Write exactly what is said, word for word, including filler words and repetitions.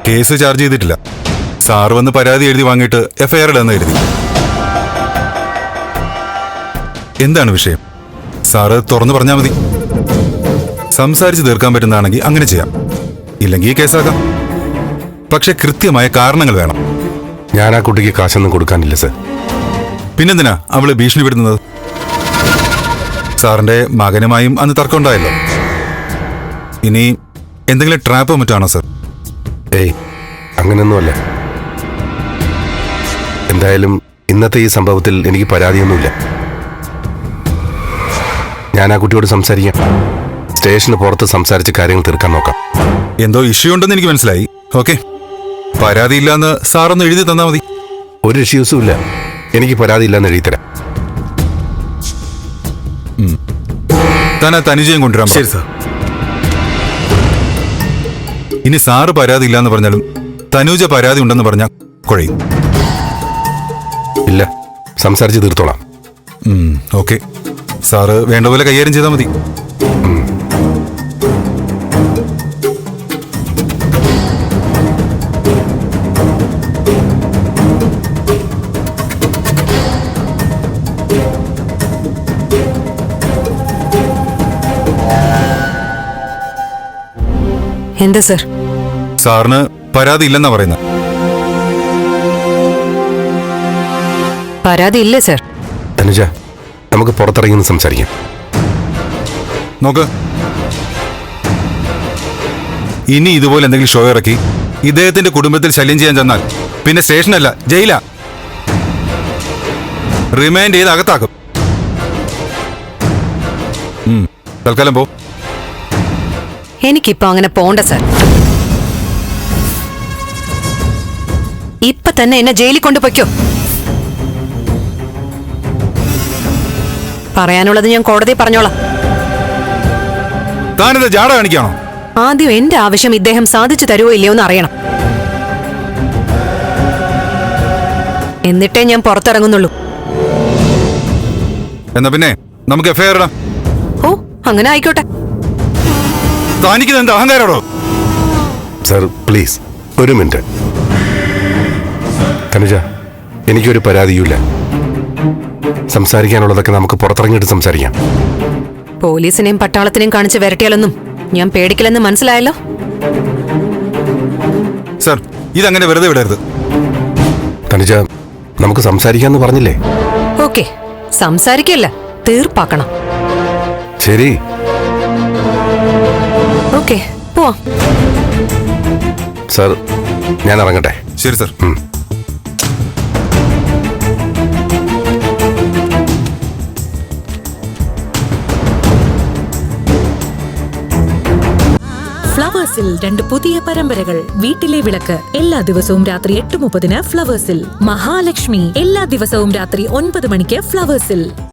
Case charge ചെയ്തിട്ടില്ല. Sir വന്ന് പരാതി എഴുതി വാങ്ങിയിട്ട് എഫ്ഐആർ ഇടാന്ന് എഴുതി. എന്താണ് വിഷയം? സാറ് തുറന്നു പറഞ്ഞാൽ മതി. സംസാരിച്ച് തീർക്കാൻ പറ്റുന്നതാണെങ്കിൽ അങ്ങനെ ചെയ്യാം, ഇല്ലെങ്കിൽ കേസാക്കാം. പക്ഷെ കൃത്യമായ കാരണങ്ങൾ വേണം. ഞാൻ ആ കുട്ടിക്ക് കാശൊന്നും കൊടുക്കാനില്ല സർ. പിന്നെന്തിനാ അവള് ഭീഷണിപ്പെടുത്തുന്നത്? സാറിന്റെ മകനുമായും അന്ന് തർക്കമുണ്ടായല്ലോ. ഇനി എന്തെങ്കിലും ട്രാപ്പോ മറ്റാണോ സർ? ഏയ്, അങ്ങനെയൊന്നുമല്ല. എന്തായാലും ഇന്നത്തെ ഈ സംഭവത്തിൽ എനിക്ക് പരാതിയൊന്നുമില്ല. ഞാൻ ആ കുട്ടിയോട് സംസാരിക്കാം. സ്റ്റേഷന് പുറത്ത് സംസാരിച്ച് കാര്യങ്ങൾ തീർക്കാൻ നോക്കാം. എന്തോ ഇഷ്യൂ ഉണ്ടെന്ന് എനിക്ക് മനസ്സിലായി. ഓക്കെ, പരാതിയില്ലാന്ന് സാറൊന്ന് എഴുതി തന്നാ മതി. ഒരു ഇഷ്യൂസും ഇല്ല. എനിക്ക് പരാതിയില്ലാന്ന് എഴുതി തരാം. താൻ ആ തനുജയും കൊണ്ടുവരാം. ശരി സാർ. ഇനി സാറ് പരാതി ഇല്ലാന്ന് പറഞ്ഞാലും തനുജ പരാതി ഉണ്ടെന്ന് പറഞ്ഞാൽ കുഴയും. ഇല്ല, സംസാരിച്ച് തീർത്തോളാം. ഓക്കെ, സാറ് വേണ്ട പോലെ കൈകാര്യം ചെയ്താൽ മതി. എന്താ സർ? സാറിന് പരാതി ഇല്ലെന്നാ പറയുന്നത്. പരാതി ഇല്ലേ സർ? തനുജ, നമുക്ക് പുറത്തിറങ്ങി സംസാരിക്കാം. നോക്ക്, ഇനി ഇതുപോലെ എന്തെങ്കിലും ഷോ ഇറക്കി ഇദ്ദേഹത്തിന്റെ കുടുംബത്തിൽ ശല്യം ചെയ്യാൻ ചെന്നാൽ പിന്നെ സ്റ്റേഷനല്ല ജയിലാ. റിമൈൻഡ് ചെയ്ത് അകത്താക്കും. തൽക്കാലം പോ. എനിക്കിപ്പോ അങ്ങനെ പോണ്ട സർ. ഇപ്പൊ തന്നെ എന്നെ ജയിലിൽ കൊണ്ടുപോയ്ക്കോ. പറയാനുള്ളത് ഞാൻ കോടതി പറഞ്ഞോളാം. താനിത് ജാട കാണിക്കാണോ? ആദ്യം എന്റെ ആവശ്യം ഇദ്ദേഹം സാധിച്ചു തരുമോ ഇല്ലയോ എന്ന് അറിയണം. എന്നിട്ടേ ഞാൻ പുറത്തിറങ്ങുന്നുള്ളൂ. എന്നാ പിന്നെ നമുക്ക് എഫ്ഐആർ ഇടാം. ഓ, അങ്ങനെ ആയിക്കോട്ടെ. താനിക്കുന്നത് എന്താ അഹങ്കാരോടോ? സർ പ്ലീസ് ഒരു മിനിറ്റ്. തനുജ, എനിക്കൊരു പരാതിയുമില്ല. സംസാരിക്കാനുള്ളതൊക്കെ നമുക്ക് പുറത്തിറങ്ങിയിട്ട് സംസാരിക്കാം. പോലീസിനെയും പട്ടാളത്തിനെയും കാണിച്ച് വരട്ടിയാലൊന്നും ഞാൻ പേടിക്കില്ലെന്ന് മനസ്സിലായല്ലോ. സർ, ഇതങ്ങനെ വെറുതെ വിടരുത്. തനുജ, നമുക്ക് സംസാരിക്കാന്ന് പറഞ്ഞില്ലേ? ഓക്കെ, സംസാരിക്കല്ല, തീർപ്പാക്കണം. ശരി. ഓക്കെ, പോവാം. സർ, ഞാൻ ഇറങ്ങട്ടെ. ശരി സർ. ഫ്ലവേഴ്സിൽ രണ്ട് പുതിയ പരമ്പരകൾ. വീട്ടിലെ വിളക്ക് എല്ലാ ദിവസവും രാത്രി എട്ട് മുപ്പതിന് ഫ്ലവേഴ്സിൽ. മഹാലക്ഷ്മി എല്ലാ ദിവസവും രാത്രി ഒൻപത് മണിക്ക് ഫ്ലവേഴ്സിൽ.